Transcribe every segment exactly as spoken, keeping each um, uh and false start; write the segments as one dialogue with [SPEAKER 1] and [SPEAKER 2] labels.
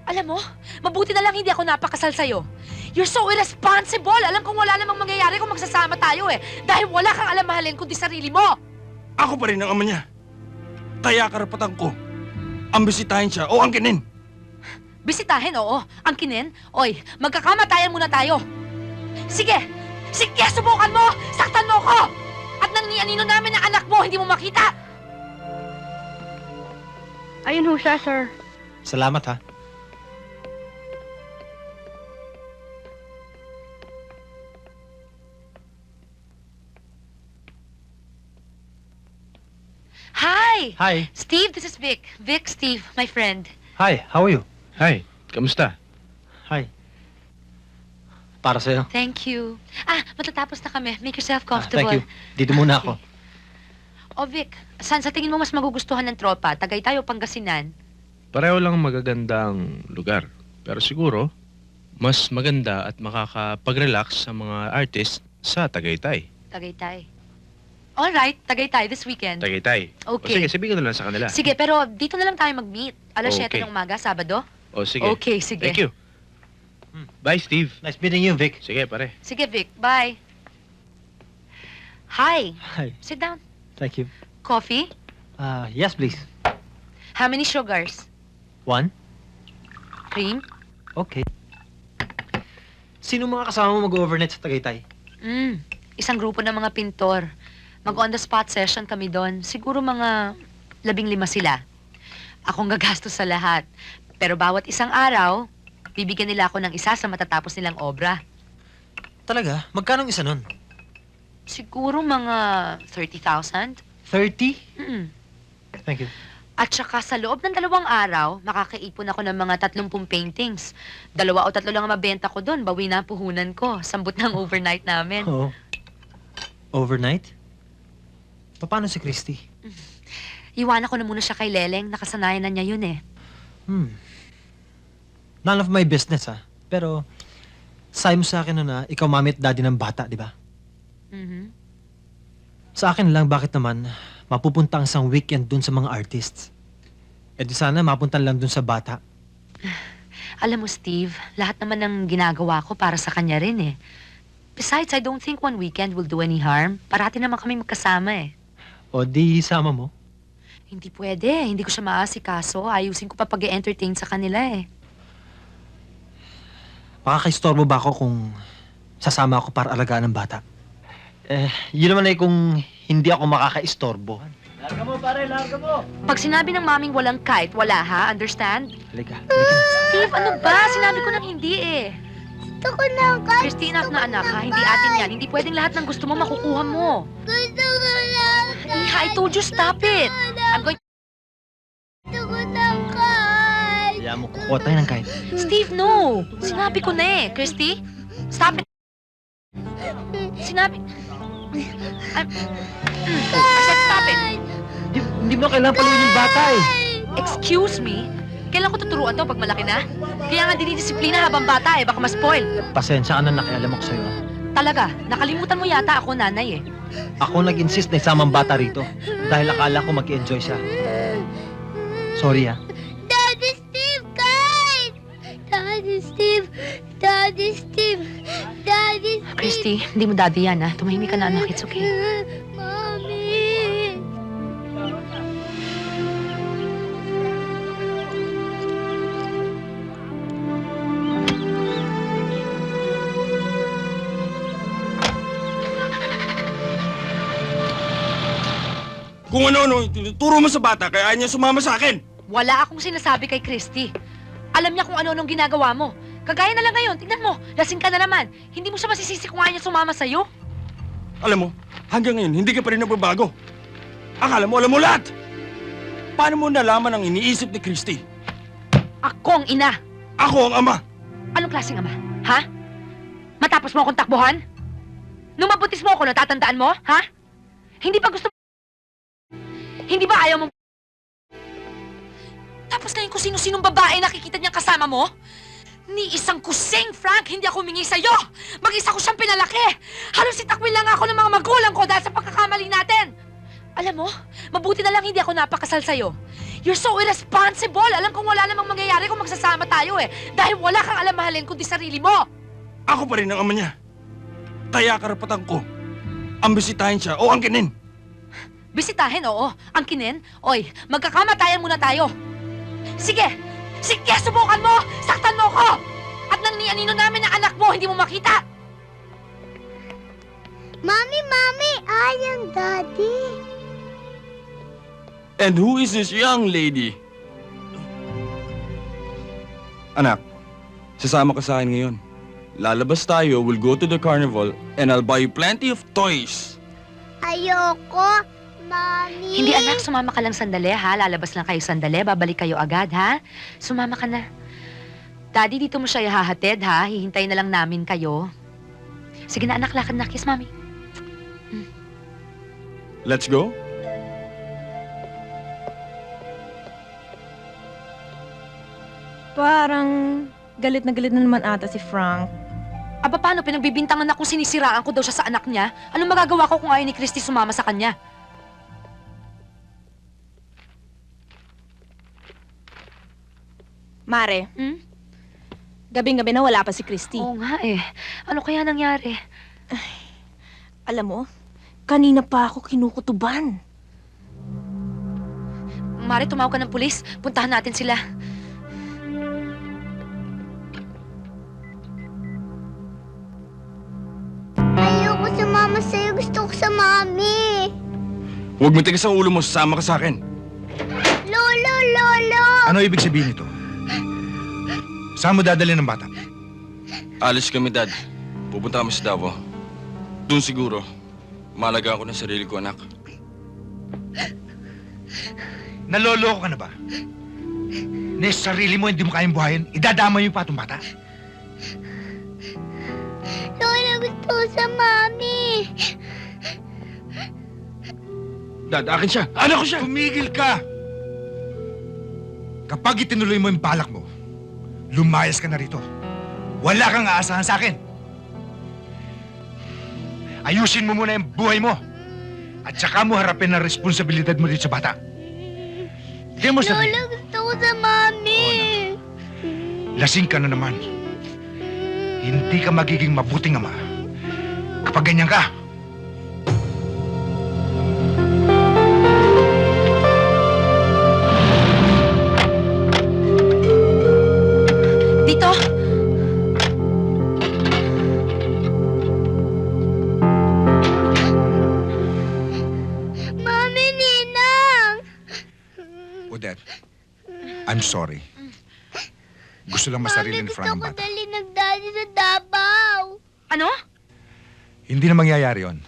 [SPEAKER 1] Alam mo, mabuti na lang hindi ako napakasal sa'yo. You're so irresponsible! Alam kong wala namang mangyayari kung magsasama tayo eh. Dahil wala kang alam mahalin kundi sarili mo!
[SPEAKER 2] Ako pa rin ang ama niya. Kaya karapatan ko ang bisitahin siya o angkinin.
[SPEAKER 1] Bisitahin, oo. Angkinin? Oy, magkakamatayan muna tayo. Sige! Sige, subukan mo! Saktan mo ko! At nang nianino namin ang anak mo, hindi mo makita!
[SPEAKER 3] Ayun ho siya, sir.
[SPEAKER 4] Salamat, ha?
[SPEAKER 1] Hi!
[SPEAKER 4] Hi.
[SPEAKER 1] Steve, this is Vic. Vic, Steve, my friend.
[SPEAKER 4] Hi, how are you?
[SPEAKER 5] Hi, kamusta?
[SPEAKER 4] Hi. Para sa'yo.
[SPEAKER 1] Thank you. Ah, matatapos na kami. Make yourself
[SPEAKER 4] Ah,
[SPEAKER 1] comfortable.
[SPEAKER 4] thank you. Dito muna ako.
[SPEAKER 1] O Vic, saan sa tingin mo mas magugustuhan ng tropa? Tagaytay o Pangasinan?
[SPEAKER 5] Pareho lang magagandang lugar. Pero siguro, mas maganda at makakapag-relax sa mga artist sa Tagaytay.
[SPEAKER 1] Tagaytay. Alright, Tagaytay this weekend.
[SPEAKER 5] Tagaytay.
[SPEAKER 1] Okay.
[SPEAKER 5] O sige, sabihin ko na lang sa kanila.
[SPEAKER 1] Sige, pero dito na lang tayo mag-meet. Alas
[SPEAKER 5] Okay.
[SPEAKER 1] siyete ng umaga, Sabado.
[SPEAKER 5] O sige.
[SPEAKER 1] Okay, sige.
[SPEAKER 5] Thank you.
[SPEAKER 4] Hmm.
[SPEAKER 5] Bye, Steve.
[SPEAKER 4] Nice meeting you, Vic.
[SPEAKER 5] Sige, pare.
[SPEAKER 1] Sige, Vic. Bye. Hi.
[SPEAKER 4] Hi.
[SPEAKER 1] Sit down.
[SPEAKER 4] Thank you.
[SPEAKER 1] Coffee?
[SPEAKER 4] Ah, yes, please.
[SPEAKER 1] How many sugars?
[SPEAKER 4] One?
[SPEAKER 1] Cream?
[SPEAKER 4] Okay. Sino mga kasama mo mag-overnight sa Tagaytay?
[SPEAKER 1] Mm, isang grupo ng mga pintor. Mag-on-the-spot session kami doon. Siguro mga labing lima sila. Akong gagastos sa lahat. Pero bawat isang araw, bibigyan nila ako ng isa sa matatapos nilang obra.
[SPEAKER 4] Talaga? Magkano ang isa nun?
[SPEAKER 1] Siguro mga thirty thousand?
[SPEAKER 4] thirty?
[SPEAKER 1] Mm.
[SPEAKER 4] Thank you.
[SPEAKER 1] At saka sa loob ng dalawang araw, makakaipon ako ng mga tatlumpung paintings. Dalawa o tatlo lang ang mabenta ko doon. Bawi na ang puhunan ko. Sambot ng overnight namin.
[SPEAKER 4] Oo. Overnight? Paano si Christy?
[SPEAKER 1] Iwanan ko na muna siya kay Leleng. Nakasanayan na niya yun eh.
[SPEAKER 4] Hmm. None of my business, ha? Pero, sabi mo sa akin nun na ikaw mami at daddy ng bata, di ba?
[SPEAKER 1] Mhm.
[SPEAKER 4] Sa akin lang, bakit naman mapupunta ang isang weekend dun sa mga artists? Eh di sana mapunta lang dun sa bata.
[SPEAKER 1] Alam mo, Steve, lahat naman ng ginagawa ko para sa kanya rin eh. Besides, I don't think one weekend will do any harm. Parati naman kami magkasama eh.
[SPEAKER 4] O di sama mo.
[SPEAKER 1] Hindi pwede. Hindi ko siya maasikaso. Ayusin ko pa pag-entertain sa kanila eh.
[SPEAKER 4] Makakaistorbo ba ako kung sasama ako para alagaan ng bata? Eh, yun naman ay kung hindi ako makakaistorbo. Larga mo, pare, larga mo!
[SPEAKER 1] Pag sinabi ng maming walang kite, wala ha? Understand?
[SPEAKER 4] Halika, halika.
[SPEAKER 1] Steve, ano ba? Sinabi ko nang hindi eh.
[SPEAKER 3] Gusto ko ng kite.
[SPEAKER 1] Christy, enough na anak ha. Hindi atin yan. Hindi pwedeng lahat ng gusto mo makukuha mo.
[SPEAKER 3] Gusto ko ng kite.
[SPEAKER 1] Iha, I told you stop it. I'm going...
[SPEAKER 3] Gusto ko ng kite.
[SPEAKER 4] Kaya mo kukuha tayo ng kahit.
[SPEAKER 1] Steve, no. Sinabi ko na eh. Christy, stop it. Sinabi... I'm... Mm, I said stop it.
[SPEAKER 4] Hindi, hindi mo kailangan paluin yung bata eh.
[SPEAKER 1] Excuse me? Kailan ko tuturuan to pag malaki na? Kaya nga dinidisiplina habang bata eh. Baka ma-spoil.
[SPEAKER 4] Pasensya ka na nakialam ako sa'yo.
[SPEAKER 1] Talaga, nakalimutan mo yata ako nanay eh.
[SPEAKER 4] Ako nag-insist na isamang bata rito dahil akala ko mag-enjoy siya. Sorry ah.
[SPEAKER 3] Daddy Steve, kite! Daddy Steve, Daddy Steve, Daddy Steve.
[SPEAKER 1] Christy, hindi mo daddy yan ah. Tumahimik ka na anak. It's okay.
[SPEAKER 3] Mommy!
[SPEAKER 2] Kung ano-ano, tinuturo mo sa bata kaya ayaw niya sumama sa akin.
[SPEAKER 1] Wala akong sinasabi kay Christy. Alam niya kung ano-anong ginagawa mo. Kagaya na lang ngayon, tignan mo, lasing ka na naman. Hindi mo siya masisisi kung ayaw niya sumama sa'yo.
[SPEAKER 2] Alam mo, hanggang ngayon, hindi ka pa rin nagbabago. Akala mo, alam mo lahat. Paano mo nalaman ang iniisip ni Christy?
[SPEAKER 1] Ako ang ina.
[SPEAKER 2] Ako ang ama.
[SPEAKER 1] Anong klaseng ama? Ha? Matapos mo akong takbuhan? Nung mabutis mo ako, natatandaan mo? Ha? Hindi ba gusto mo? Hindi ba ayaw mo? Tapos ngayon kung sino-sinong babae nakikita niyang kasama mo? Ni isang kusing, Frank, hindi ako humingi sa'yo! Mag-isa ko siyang pinalaki! Halos itakwil lang ako ng mga magulang ko dahil sa pagkakamali natin! Alam mo, mabuti na lang hindi ako napakasal sa'yo. You're so irresponsible! Alam kong wala namang mangyayari kung magsasama tayo eh. Dahil wala kang alam mahalin kundi sarili mo!
[SPEAKER 2] Ako pa rin ang ama niya. Kaya karapatan ko ang bisitahin siya o angkinin.
[SPEAKER 1] Bisitahin, oo. Ang kinin, oy, magkakamatayan muna tayo. Sige! Sige, subukan mo! Saktan mo ko! At nang nianino namin ang anak mo, hindi mo makita!
[SPEAKER 3] Mommy, Mommy, I am Daddy.
[SPEAKER 2] And who is this young lady? Anak, sasama ka sa akin ngayon. Lalabas tayo, we'll go to the carnival, and I'll buy you plenty of toys.
[SPEAKER 3] Ayoko, Mommy.
[SPEAKER 1] Hindi anak, sumama ka lang sandali ha. Lalabas lang kayo sandali, babalik kayo agad ha. Sumama ka na. Daddy, dito mo siya ihahatid ha. Hihintay na lang namin kayo. Sige na anak, lakad na. Kiss, Mami.
[SPEAKER 2] Let's go.
[SPEAKER 6] Parang galit na galit na naman ata si Frank.
[SPEAKER 1] Aba, paano? Pinagbibintangan na kung sinisiraan ko daw siya sa anak niya? Anong magagawa ko kung ayaw ni Christy sumama sa kanya?
[SPEAKER 6] Mare,
[SPEAKER 1] Hmm?
[SPEAKER 6] gabing-gabi na wala pa si Christy.
[SPEAKER 1] Oo nga eh. Ano kaya nangyari?
[SPEAKER 6] Alam mo, kanina pa ako kinukutuban.
[SPEAKER 1] Mare, tumawag ka ng pulis. Puntahan natin sila.
[SPEAKER 3] Ayoko sumama sa'yo. Gusto ko sa Mommy.
[SPEAKER 2] Huwag mo tigas ang ulo mo, sasama ka sa akin.
[SPEAKER 3] Lolo, Lolo.
[SPEAKER 7] Ano ibig sabihin nito? Saan mo dadalhin ng bata?
[SPEAKER 2] Alis kami, Dad. Pupunta kami sa Davao. Doon siguro, malagaan ko ng sarili ko, anak.
[SPEAKER 7] Naloloko ka na ba? Na sa sarili mo hindi mo kayang buhayin, idadama yung patong bata?
[SPEAKER 3] Lolo, gusto ko sa Mommy.
[SPEAKER 2] Dad, akin siya. Anak ko siya.
[SPEAKER 7] Tumigil ka! Kapag itinuloy mo yung balak mo, lumayas ka na rito. Wala kang aasahan sa akin. Ayusin mo muna yung buhay mo. At saka mo harapin ang responsibilidad mo dito sa bata. Tingnan mo sa
[SPEAKER 3] Lolo, gusto ko sa Mommy.
[SPEAKER 7] lasing ka na naman. Hindi ka magiging mabuting ama kapag ganyan ka.
[SPEAKER 1] Dito!
[SPEAKER 3] Mommy, Ninang.
[SPEAKER 7] Odette, I'm sorry. Gusto lang masarili ni
[SPEAKER 3] Mommy,
[SPEAKER 7] Frank ang
[SPEAKER 3] gusto ko
[SPEAKER 7] bata.
[SPEAKER 3] dali nagdali sa Davao.
[SPEAKER 1] Ano?
[SPEAKER 7] Hindi na mangyayari yon.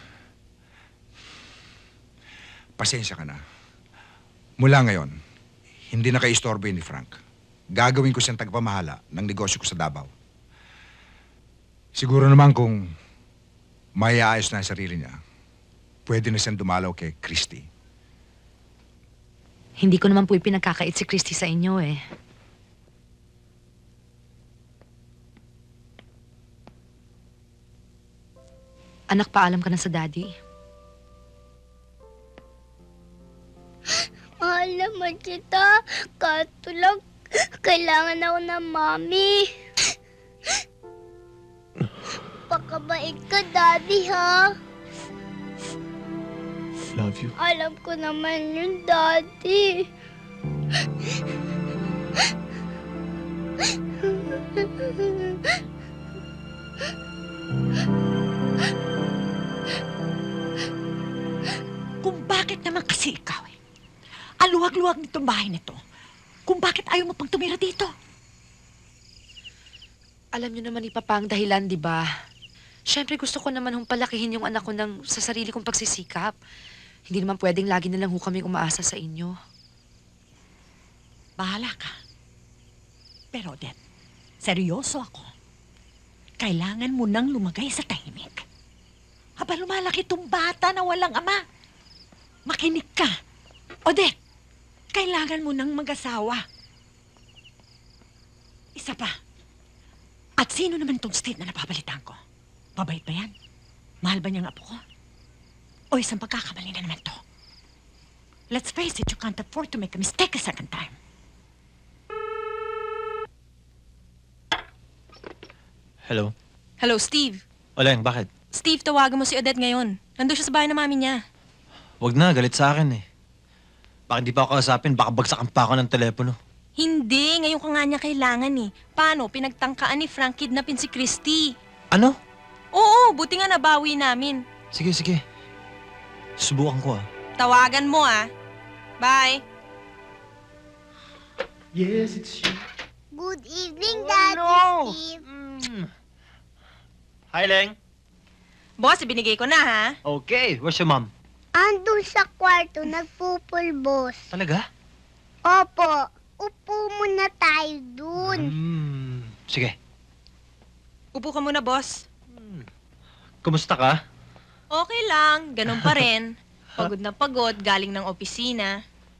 [SPEAKER 7] Pasensya ka na. Mula ngayon, hindi na kaistorbo yun ni Frank. Gagawin ko siyang tagapamahala ng negosyo ko sa Davao. Siguro naman kung maiaayos na ang sarili niya, pwede na siyang dumalaw kay Christy.
[SPEAKER 1] Hindi ko naman po ipinagkakait si Christy sa inyo eh. Anak, paalam ka na sa daddy.
[SPEAKER 3] Mahal naman kita. Kato lang, kailangan ako ng Mommy. Pakabait ka, Daddy, ha?
[SPEAKER 5] Love you.
[SPEAKER 3] Alam ko naman yun, Daddy.
[SPEAKER 8] Kung bakit naman kasi ikaw eh. Aluwag-luwag nitong bahay nito. Kung bakit ayaw mo pang tumira dito.
[SPEAKER 1] Alam niyo naman ipapang dahilan, di ba? Siyempre gusto ko naman hong palakihin yung anak ko ng sa sarili kong pagsisikap. Hindi naman pwedeng lagi na lang ho kami umaasa sa inyo.
[SPEAKER 8] Bahala ka. Pero, Deb, seryoso ako. Kailangan mo nang lumagay sa tahimik. Haba lumalaki tong bata na walang ama. Makinig ka. Odette, kailangan mo nang mag-asawa. Isa pa. At sino naman tong state na napabalitan ko? Pabait ba yan? Mahal ba niyang apo ko? O isang pagkakamali na naman to? Let's face it, you can't afford to make a mistake a second time.
[SPEAKER 4] Hello?
[SPEAKER 6] Hello, Steve.
[SPEAKER 4] Oleng, bakit?
[SPEAKER 6] Steve, tawagan mo si Odette ngayon. Nandun siya sa bahay ng mami niya.
[SPEAKER 4] Wag na, galit sa akin eh. Bakit di pa ako kausapin? Baka bagsakan pa ako ng telepono.
[SPEAKER 6] Hindi, ngayon ka nga niya kailangan eh. Paano? Pinagtangkaan ni Frank kidnapin si Christy.
[SPEAKER 4] Ano?
[SPEAKER 6] Oo, buti nga nabawi namin.
[SPEAKER 4] Sige, sige. Subukan ko ah.
[SPEAKER 6] Tawagan mo ah. Bye.
[SPEAKER 4] Yes, it's you.
[SPEAKER 3] Good evening,
[SPEAKER 4] Oh,
[SPEAKER 3] Daddy
[SPEAKER 4] no.
[SPEAKER 3] Steve.
[SPEAKER 4] Mm. Hi, Leng.
[SPEAKER 6] Boss, ibinigay ko na ha.
[SPEAKER 4] Okay, where's your mom?
[SPEAKER 3] Andun sa kwarto, nagpupulbos.
[SPEAKER 4] Talaga?
[SPEAKER 3] Opo, upo muna tayo dun.
[SPEAKER 4] Hmm. Sige.
[SPEAKER 6] Upo ka muna, boss.
[SPEAKER 4] Kumusta ka?
[SPEAKER 6] Okay lang, ganun pa rin. Pagod na pagod, galing ng opisina.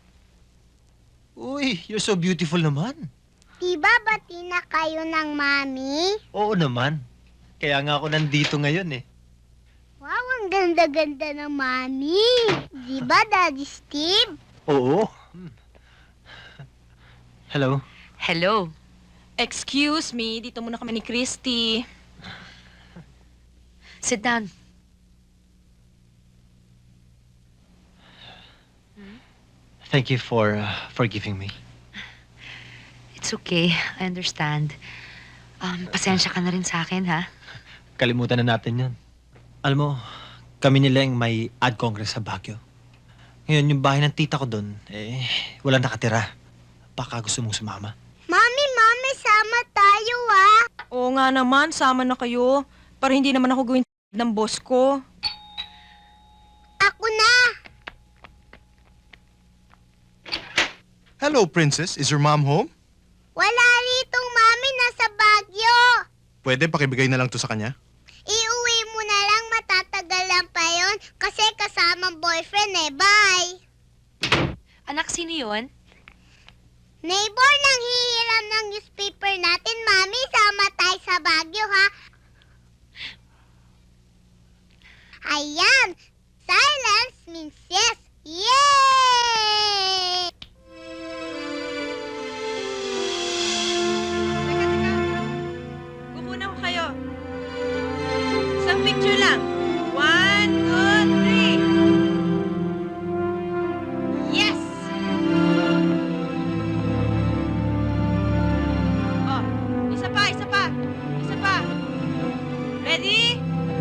[SPEAKER 4] Uy, you're so beautiful naman.
[SPEAKER 3] Diba bati na kayo ng mami?
[SPEAKER 4] Oo naman. Kaya nga ako nandito ngayon eh.
[SPEAKER 3] Wow, ang ganda-ganda ng mami. Diba, Daddy Steve?
[SPEAKER 4] Oo. Hmm. Hello?
[SPEAKER 1] Hello.
[SPEAKER 6] Excuse me, dito muna kami ni Christy.
[SPEAKER 1] Sit down.
[SPEAKER 4] Thank you for uh, forgiving me.
[SPEAKER 1] It's okay. I understand. Um, pasensya ka na rin sa akin, ha?
[SPEAKER 4] Kalimutan na natin yun. Alam mo, kami ni Leng may ad congress sa Baguio. Ngayon, yung bahay ng tita ko doon, eh, wala nakatira. Baka gusto mong sumama.
[SPEAKER 3] Mami, mami, sama tayo ah.
[SPEAKER 6] Oo nga naman, sama na kayo. Para hindi naman ako gawin ng boss ko.
[SPEAKER 3] Ako na.
[SPEAKER 9] Hello, Princess. Is your mom home?
[SPEAKER 3] Wala ritong mami, nasa Baguio.
[SPEAKER 9] Pwede pakibigay na lang to sa kanya?
[SPEAKER 3] Iuwi mo na lang, matatagal lang pa yon kasi kasamang boyfriend eh. Bye.
[SPEAKER 1] Anak, sino yun?
[SPEAKER 3] Neighbor, nang hihiram ng newspaper natin, mami, sama tayo sa Baguio, ha? Ayan, silence means yes. Yay!
[SPEAKER 6] Kukunan ko kayo. Isang picture lang. One, two, three. Yes! Oh, isa pa, isa pa. Isa pa. Ready?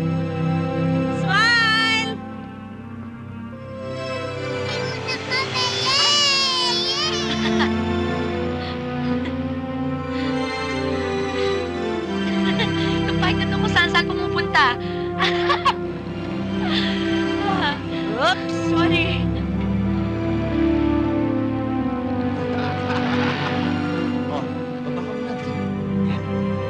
[SPEAKER 6] Smile!
[SPEAKER 3] Ayun na kami, yay! Yay!
[SPEAKER 1] Kapag na kung saan saan pumupunta. Ah, Oops, sorry.
[SPEAKER 4] Oh, baba ka muna. Yan.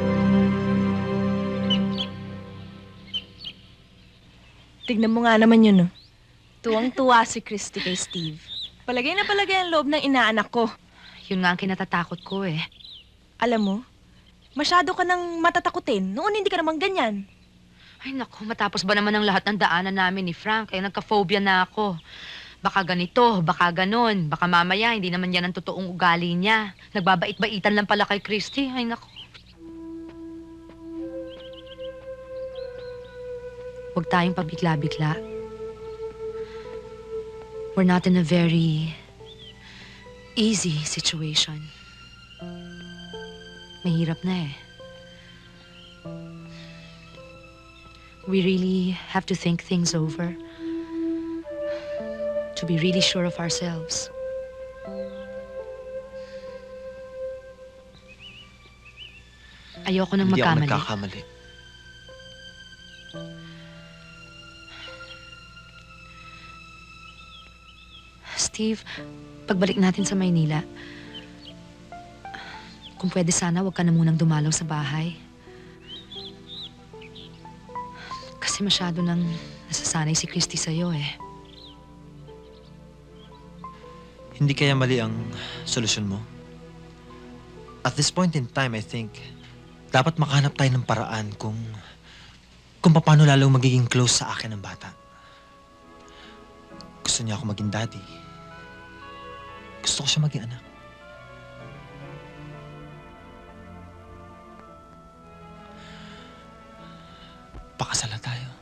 [SPEAKER 6] Tignan mo nga naman yun, no? Tuwang-tuwa si Christy kay Steve. Palagay na palagay ang loob ng inaanak ko.
[SPEAKER 1] Yun nga ang kinatatakot ko eh.
[SPEAKER 6] Alam mo, masyado ka nang matatakutin. Noon hindi ka naman ganyan.
[SPEAKER 1] Ay naku, matapos ba naman ang lahat ng daanan namin ni Frank, ay nagka-phobia na ako. Baka ganito, baka ganon, baka mamaya hindi naman yan ang totoong ugali niya. Nagbabait-baitan lang pala kay Christy. Ay naku. Huwag tayong pabigla-bigla. We're not in a very easy situation. Mahirap na eh. We really have to think things over. To be really sure of ourselves. Ayoko nang
[SPEAKER 4] Hindi ako
[SPEAKER 1] magkamali.
[SPEAKER 4] nagkakamali.
[SPEAKER 1] Steve, pagbalik natin sa Maynila, kung pwede sana, huwag ka na munang dumalaw sa bahay. Kasi masyado nang nasasanay si Christy sa'yo eh.
[SPEAKER 4] Hindi kaya mali ang solusyon mo? At this point in time, I think, dapat makahanap tayo ng paraan kung kung paano lalong magiging close sa akin ng bata. Gusto niya ako maging daddy. Gusto ko siya maging anak. Pakasal na tayo.